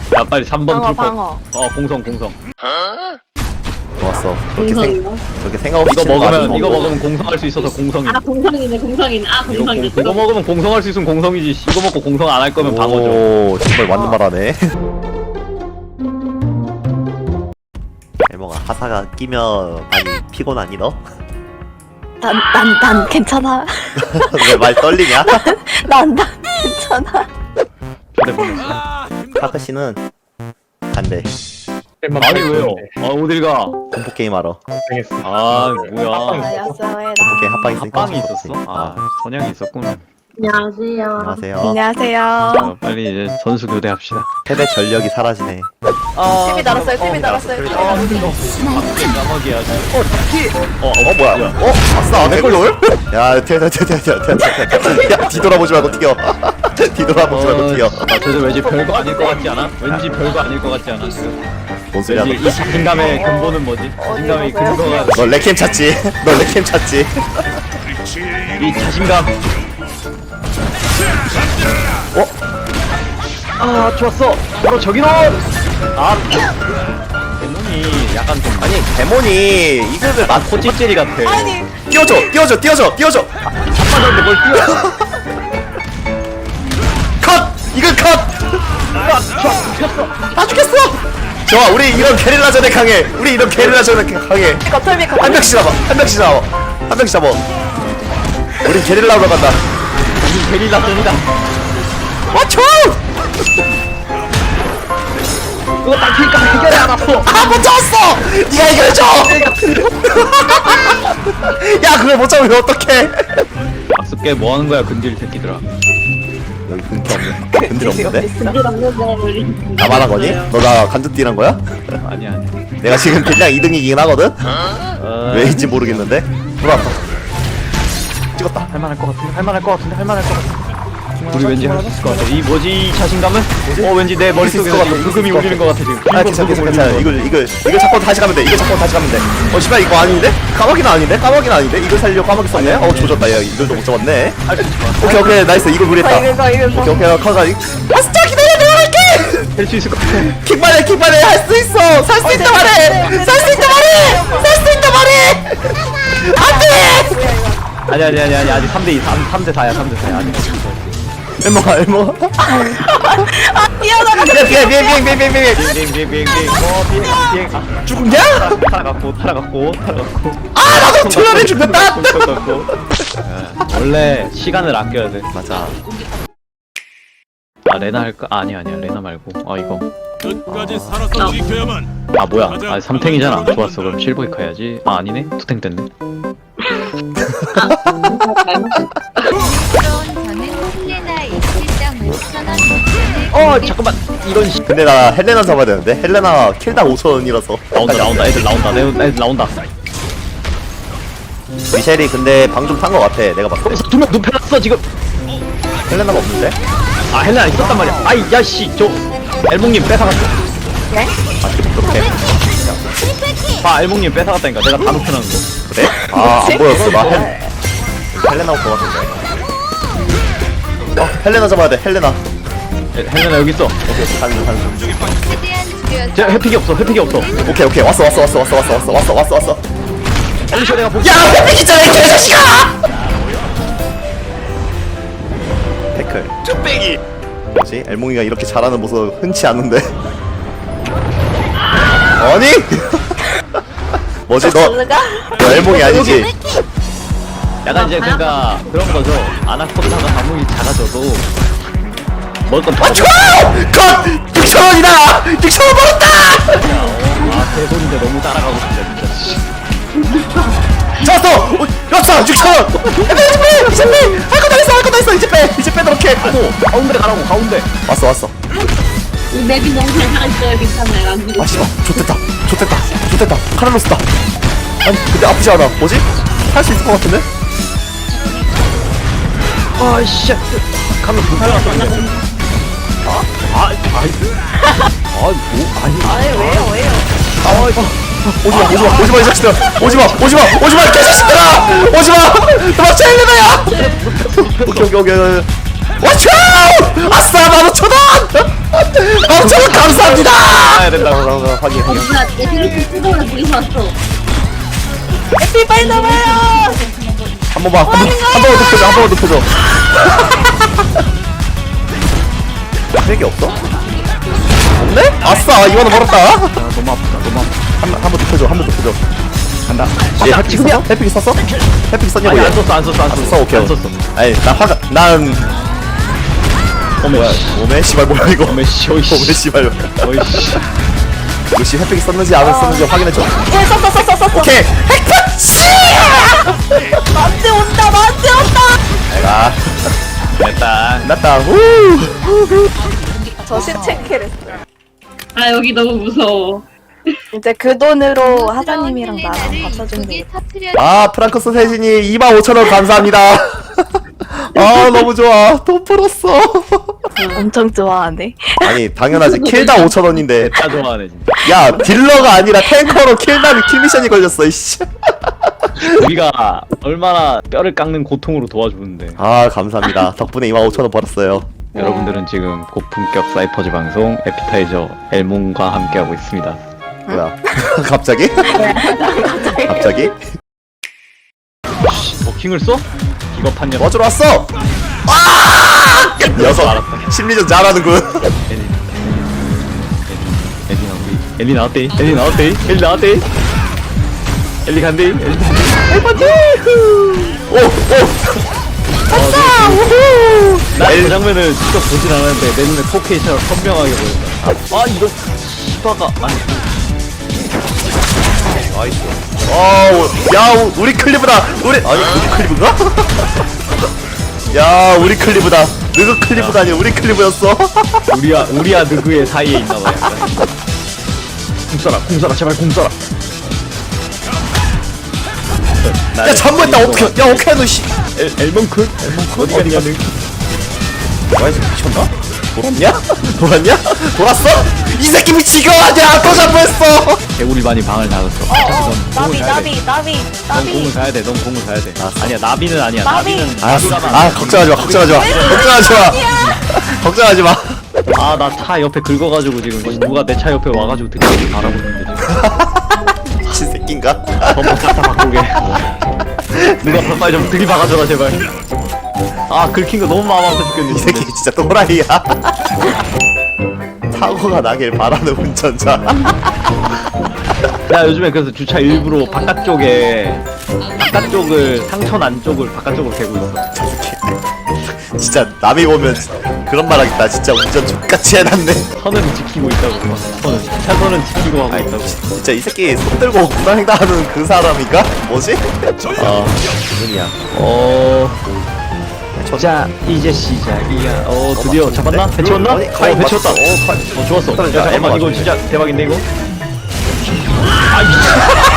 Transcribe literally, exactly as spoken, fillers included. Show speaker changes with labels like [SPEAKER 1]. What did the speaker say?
[SPEAKER 1] 야 빨리 삼 번
[SPEAKER 2] 방어
[SPEAKER 1] 풀퍼.
[SPEAKER 2] 방어.
[SPEAKER 1] 어 공성 공성.
[SPEAKER 3] 좋았어. 그렇게 생 그렇게 생각 없이
[SPEAKER 1] 이거
[SPEAKER 3] 치는 거 아주
[SPEAKER 1] 먹으면 이거
[SPEAKER 3] 좋고.
[SPEAKER 1] 먹으면 공성할 수 있어서 공성이.
[SPEAKER 4] 아 공성이네 공성이네 아
[SPEAKER 1] 이거, 공,
[SPEAKER 4] 공성이네
[SPEAKER 1] 이거 먹으면 공성할 수 있으면 공성이지. 씨. 이거 먹고 공성 안 할 거면 방어죠.
[SPEAKER 3] 오, 정말 맞는 말하네. 엘몽아, 하사가 끼면 많이 피곤하니 너?
[SPEAKER 2] 난난 난 괜찮아.
[SPEAKER 3] 왜 말 떨리냐?
[SPEAKER 2] 난 난 괜찮아.
[SPEAKER 1] 초대 보냈어.
[SPEAKER 3] 카크 씨는 안돼.
[SPEAKER 1] 아니 왜요? 아 어딜 가?
[SPEAKER 3] 공포 게임 하러.
[SPEAKER 1] 아 뭐야?
[SPEAKER 2] 안녕하세요.
[SPEAKER 3] 공포 게임 합방 있으니까.
[SPEAKER 1] 합방이 있었어? 아 선양이 있었구나.
[SPEAKER 4] 안녕하세요
[SPEAKER 3] 안녕하세요.
[SPEAKER 2] 안녕하세요.
[SPEAKER 1] 자, 빨리 이제 선수 교대합시다.
[SPEAKER 3] 세대 전력이 사라지네.
[SPEAKER 2] 팀이 달았어요. 팀이 달았어요. 팀이 달았어요.
[SPEAKER 1] 까마귀야.
[SPEAKER 3] 어, 어 뭐야? 어, 아싸, 내걸롤? 야, 튀어, 튀어, 튀어, 튀어, 튀어, 튀어, 튀어. 야, 뒤돌아보지 말고 튀어. 뒤돌아보지 말고 튀어.
[SPEAKER 1] 아, 저도 왠지 별거 아닐 것 같지 않아? 왠지 별거 아닐 것 같지 않아? 지금?
[SPEAKER 3] 뭔 소리야?
[SPEAKER 1] 왠지 이 자신감의 근본은 뭐지? 자신감의 근거가
[SPEAKER 3] 너 레캠 찾지? 너 레캠 찾지?
[SPEAKER 1] 이 자신감.
[SPEAKER 3] 어?
[SPEAKER 1] 아 좋았어. 바로 저기로. 아 대놈이 약간 좀
[SPEAKER 3] 아니, 데몬이 이글을 막
[SPEAKER 1] 코찌찌리 같아.
[SPEAKER 2] 아니
[SPEAKER 3] 띄워줘, 띄워줘, 띄워줘, 띄워줘.
[SPEAKER 1] 아빠한테 뭘 뛰어?
[SPEAKER 3] 컷! 이글 컷! 다 죽였어! 좋아, 우리 이런 게릴라전에 강해. 우리 이런 게릴라전에 강해.
[SPEAKER 2] 거털비
[SPEAKER 3] 한
[SPEAKER 2] 거털비.
[SPEAKER 3] 명씩 잡아, 한 명씩 잡아, 한 명씩 잡아. 우리 게릴라로 간다.
[SPEAKER 1] 우리 게릴라 놈이다.
[SPEAKER 3] 맞춰!
[SPEAKER 1] 그거 딱 그니까 해결해 알았어.
[SPEAKER 3] 아, 못 잡았어! 니가 해결해줘! 야, 그걸 못 잡으면 어떡해!
[SPEAKER 1] 악습게 뭐 하는 거야 근질 새끼들아.
[SPEAKER 3] 여기 근처 없네. 근들 없는데?
[SPEAKER 4] 근데 없는데 우리
[SPEAKER 3] 나만 한 거니? 너 나 간접띠란 거야?
[SPEAKER 1] 아니야 아니야.
[SPEAKER 3] 내가 지금 그냥 이 등이긴 하거든?
[SPEAKER 1] 어...
[SPEAKER 3] 왜인지 모르겠는데? 돌아왔다. 찍었다.
[SPEAKER 1] 할만할 것 같은데 할만할 것 같은데 할만할 것 같은데. 우리 왠지 할 수 있을 것 같아. 이 뭐지 이 자신감은? 어 왠지 내 머릿속에서
[SPEAKER 3] 있을 것
[SPEAKER 1] 지금
[SPEAKER 3] 같아.
[SPEAKER 1] 부금이 울리는 것 같아 지금.
[SPEAKER 3] 아, 괜찮아, 괜찮아, 괜찮아. 이걸, 이걸, 이걸 잡고 다시 가면 돼. 이걸 잡고 다시 가면 돼. 어, 씨발, 이거 아닌데? 까마귀는 아닌데? 까마귀는 아닌데? 이걸 살려고 까마귀 썼네? 어, 조졌다. 야, 이걸도 못 잡았네. 오케이, 오케이, 나이스. 이걸
[SPEAKER 2] 아
[SPEAKER 3] 무리했다.
[SPEAKER 2] 이거 이거
[SPEAKER 3] 오케이, 오케이, 커가. 아, 진짜 기다려, 내가 갈게!
[SPEAKER 1] 할 수 있을 것 같아.
[SPEAKER 3] 킥만해, 킥만해! 할 수 있어! 살 수 있다 말해! 살 수 있다 말해! 살 수 있다 말해! 안 돼!
[SPEAKER 1] 아니 아니 아니 아니 아직 삼 대 이, 삼 대 사야 삼 대 사야 아직.
[SPEAKER 3] 엘모가, 엘모.
[SPEAKER 2] 아 뛰어나가.
[SPEAKER 3] 비행, 비행, 비행, 비행, 비행, 비행, 비행.
[SPEAKER 1] 비행 비행 비행 비행 어 비행 비행. 아,
[SPEAKER 3] 죽냐?
[SPEAKER 1] 타라갔고 타라갔고 타라갔고.
[SPEAKER 3] 아, 나도 졸라를 죽였다!
[SPEAKER 1] 고 원래 시간을 아껴야 돼.
[SPEAKER 3] 맞아.
[SPEAKER 1] 아 레나 할까? 아, 아니 아니야 레나 말고. 아 이거.
[SPEAKER 5] 끝까지 살아서 지켜야만.
[SPEAKER 1] 아 뭐야? 아 삼탱이잖아. 좋았어. 그럼 실버이카 해야지. 아 아니네. 투탱 됐네. 어 잠깐만. 이런 씨.
[SPEAKER 3] 근데 나 헬레나 잡아야 되는데? 헬레나 킬당 오천 원이라서.
[SPEAKER 1] 나온다 나온다. 애들 나온다. 내 애들 나온다.
[SPEAKER 3] 미셸이 근데 방 좀 탄 거 같아. 내가 봤을 때.
[SPEAKER 1] 두명 눕혀놨어 지금.
[SPEAKER 3] 헬레나가 없는데?
[SPEAKER 1] 아 헬레나 있었단 말이야. 아이 야씨 저 엘몽님 뺏어갔어.
[SPEAKER 2] 네?
[SPEAKER 3] 아, 지금 그렇게.
[SPEAKER 1] 아 엘몽님 뺏어갔다니까. 내가 다 눕혀놓은 거.
[SPEAKER 3] 그래? 아, 안 보였어. 나 헬, 헬레나 올 것 같은데. 어, 헬레나 잡아야 돼. 헬레나.
[SPEAKER 1] 에, 헬레나 여기 있어.
[SPEAKER 3] 오케이, 가는 중, 가는 중.
[SPEAKER 1] 제 회픽이 없어. 회픽이 없어.
[SPEAKER 3] 오케이, 오케이. 왔어, 왔어, 왔어, 왔어, 왔어, 왔어, 왔어, 왔어, 왔어.
[SPEAKER 1] 빨리 쉬어 내가 볼게.
[SPEAKER 3] 야, 회픽 있잖아, 이 개자식아! 태클. 쭈빼기. 뭐지? 엘몽이가 이렇게 잘하는 모습 흔치 않은데. 아니? 뭐지, 너, 너 엘몽이 아니지?
[SPEAKER 1] 약간 이제 그러니까 그런 거죠. 아나콘다가 아무리 작아져도 먹을 건
[SPEAKER 3] 아, 좋아! 컷! 육천 원이다! 육천 원 벌었다!
[SPEAKER 1] 아 대본인데 너무 따라가고 싶다 진짜.
[SPEAKER 3] 잡았어! 어, 역사! 육천 원! 이제 빼! 이제 빼! 할 거 다 했어! 할 거 다 했어! 이제 빼! 이제 빼도록 해!
[SPEAKER 1] 또 가운데 가라고 가운데.
[SPEAKER 3] 왔어, 왔어.
[SPEAKER 4] 이 맵이 너무 잘 살아있어요 괜찮아요 안 죽어
[SPEAKER 3] 아, 씨발. 좋됐다. 좋됐다. 좋됐다. 카를로스다. 아니, 근데 아프지 않아. 뭐지? 할 수 있을 것 같은데?
[SPEAKER 1] 아씨. 가면 불살 났어. 아, 아, 아이. 아, 뭐, 아니.
[SPEAKER 2] 아니 왜요 왜요?
[SPEAKER 1] 아, 이거.
[SPEAKER 3] 오지마, 오지마, 오지마, 이 자식들아! 오지마, 오지마, 오지마, 이 개자식들아! 오지마! 도망쳐, 헬레나야! 오케이, 오케이, 오케이. 와초! 아싸, 만 오천 원! 만 오천 원 감사! 확인
[SPEAKER 4] 어
[SPEAKER 3] 확인.
[SPEAKER 4] 뭐야 내 드리프 뜯어오라 둘이서 왔어.
[SPEAKER 2] 에피 빨리 나와요.
[SPEAKER 3] 한 번만 한 번 한 번만 눕혀줘 한 번만 눕혀줘. 핵이 없어? 없네? 아싸 이거는 멀었다.
[SPEAKER 1] 아, 너무 아프다 너무 아프다.
[SPEAKER 3] 한번 눕혀줘 한 번 눕혀줘.
[SPEAKER 1] 간다.
[SPEAKER 3] 얘 햇픽 썼어? 햇픽 썼어? 햇픽 썼냐고
[SPEAKER 1] 아니
[SPEAKER 3] 얘.
[SPEAKER 1] 안 썼어 안 썼어 안
[SPEAKER 3] 안
[SPEAKER 1] 썼어.
[SPEAKER 3] 썼어 오케이.
[SPEAKER 1] 안 썼어.
[SPEAKER 3] 아니 나 화가 난
[SPEAKER 1] 어메 씨.
[SPEAKER 3] 오메 씨발 뭐야 이거.
[SPEAKER 1] 어메 씨. 어이
[SPEAKER 3] 오메
[SPEAKER 1] 씨.
[SPEAKER 3] 씨발.
[SPEAKER 1] 어이 씨.
[SPEAKER 3] 이거 씨 햇픽이 썼는지 안 썼는지 확인해줘.
[SPEAKER 2] 예, 썼어, 썼어, 썼어.
[SPEAKER 3] 오케이. 핵펀치!
[SPEAKER 2] 나한테 온다, 나한테 온다.
[SPEAKER 3] 내가
[SPEAKER 1] 됐다.
[SPEAKER 3] 났다. 우.
[SPEAKER 2] 저 신체킬 했어요.
[SPEAKER 4] 아 여기 너무 무서워.
[SPEAKER 2] 이제 그 돈으로 하자님이랑 나랑 밥 사주면 돼.
[SPEAKER 3] 아 프랑크스 세진이 이만 오천 원 감사합니다. 아 너무 좋아. 돈 벌었어.
[SPEAKER 2] 엄청 좋아하네.
[SPEAKER 3] 아니 당연하지. 킬당 오천 원인데.
[SPEAKER 1] 다 좋아하네 진짜.
[SPEAKER 3] 야 딜러가 아니라 탱커로 킬당이 킬미션이 걸렸어 이씨.
[SPEAKER 1] 우리가 얼마나 뼈를 깎는 고통으로 도와주는데.
[SPEAKER 3] 아 감사합니다. 덕분에 이만 오천 원 벌었어요.
[SPEAKER 1] 여러분들은 지금 고품격 사이퍼즈 방송 에피타이저 엘몬과 함께하고 있습니다.
[SPEAKER 3] 뭐야? 갑자기? 갑자기?
[SPEAKER 1] 버킹을 써? 기겁한 녀석.
[SPEAKER 3] 어쩌러 왔어? 아! 녀석 심리전 잘하는군.
[SPEAKER 1] 엘리 엘리 나왔대. 엘리 나왔대. 엘리 나왔대. 엘리 나왔대. 엘리 간대. 엘리
[SPEAKER 3] 오! 오!
[SPEAKER 1] 나그 장면을 직접 보진 않았는데 내 눈에 포케이처럼 선명하게 보였다. 아 이거 시바가 아니
[SPEAKER 3] 나이스. 어, 야, 우- 우리 클리브다. 우리 아니 우리 클리브인가? 야, 우리 클리브다. 너그 클리브가 아니라 우리 클리브였어.
[SPEAKER 1] 우리와 우리와 누구의 사이에 있나봐요. 공 쏴라, 공 쏴라, 제발 공 쏴라.
[SPEAKER 3] 야, 잠깐만, 나 어떻게? 야, 어떻게 너 씨.
[SPEAKER 1] 엘 엘몬크? 엘몬크 어디 가니 가니?
[SPEAKER 3] 뭐야, 저 미쳤나? 돌았냐? 돌았냐? 돌았어? 이 새끼 미치고 아니야. 또 잡혔어.
[SPEAKER 1] 개구리반이 방을 나갔어. 어차피 넌 공을
[SPEAKER 2] 나비,
[SPEAKER 1] 가야 돼.
[SPEAKER 2] 나비, 나비,
[SPEAKER 1] 넌 공을
[SPEAKER 2] 나비.
[SPEAKER 1] 가야 돼. 넌 공을 가야 돼.
[SPEAKER 3] 알았어.
[SPEAKER 1] 아니야 나비는 아니야.
[SPEAKER 2] 나비.
[SPEAKER 1] 나비는
[SPEAKER 3] 알았어.
[SPEAKER 1] 나비가면
[SPEAKER 3] 아,
[SPEAKER 1] 안 돼.
[SPEAKER 3] 걱정하지 마. 걱정하지 마. 걱정하지 마. 걱정하지 마.
[SPEAKER 1] 아, 나 차 옆에 긁어가지고 지금 누가 내 차 옆에 와가지고 듣기 바라고 있는데 지금.
[SPEAKER 3] 미친 새끼인가?
[SPEAKER 1] 범퍼 싹다 바꾸게. 누가 빨리 좀 들이박아줘라 제발. 아 긁힌 거 너무 마음 아파 죽겠네.
[SPEAKER 3] 이 새끼 진짜 또라이야. 사고가 나길 바라는 운전자.
[SPEAKER 1] 야 요즘에 그래서 주차 일부러 바깥쪽에 바깥쪽을 상천 안쪽을 바깥쪽으로 대고 있어.
[SPEAKER 3] 진짜 남이 보면 그런 말 하겠다. 진짜 운전 족같이 해놨네.
[SPEAKER 1] 선은 지키고 있다고. 선은 차선은 지키고 하고 있다고.
[SPEAKER 3] 진짜 이 새끼 손 들고 구당행당하는 그 사람인가? 뭐지?
[SPEAKER 1] 아
[SPEAKER 3] 누구냐?
[SPEAKER 1] 어. 자 이제 시작이야. 어 드디어 잡았나? 배치웠나? 어
[SPEAKER 3] 아니, 카이
[SPEAKER 1] 배치웠다. 어,
[SPEAKER 3] 맞췄어.
[SPEAKER 1] 카이. 어 좋았어. 야
[SPEAKER 3] 잠깐만,
[SPEAKER 1] 잠깐만 이거
[SPEAKER 3] 잠깐만.
[SPEAKER 1] 진짜 대박인데 이거. 아 미친.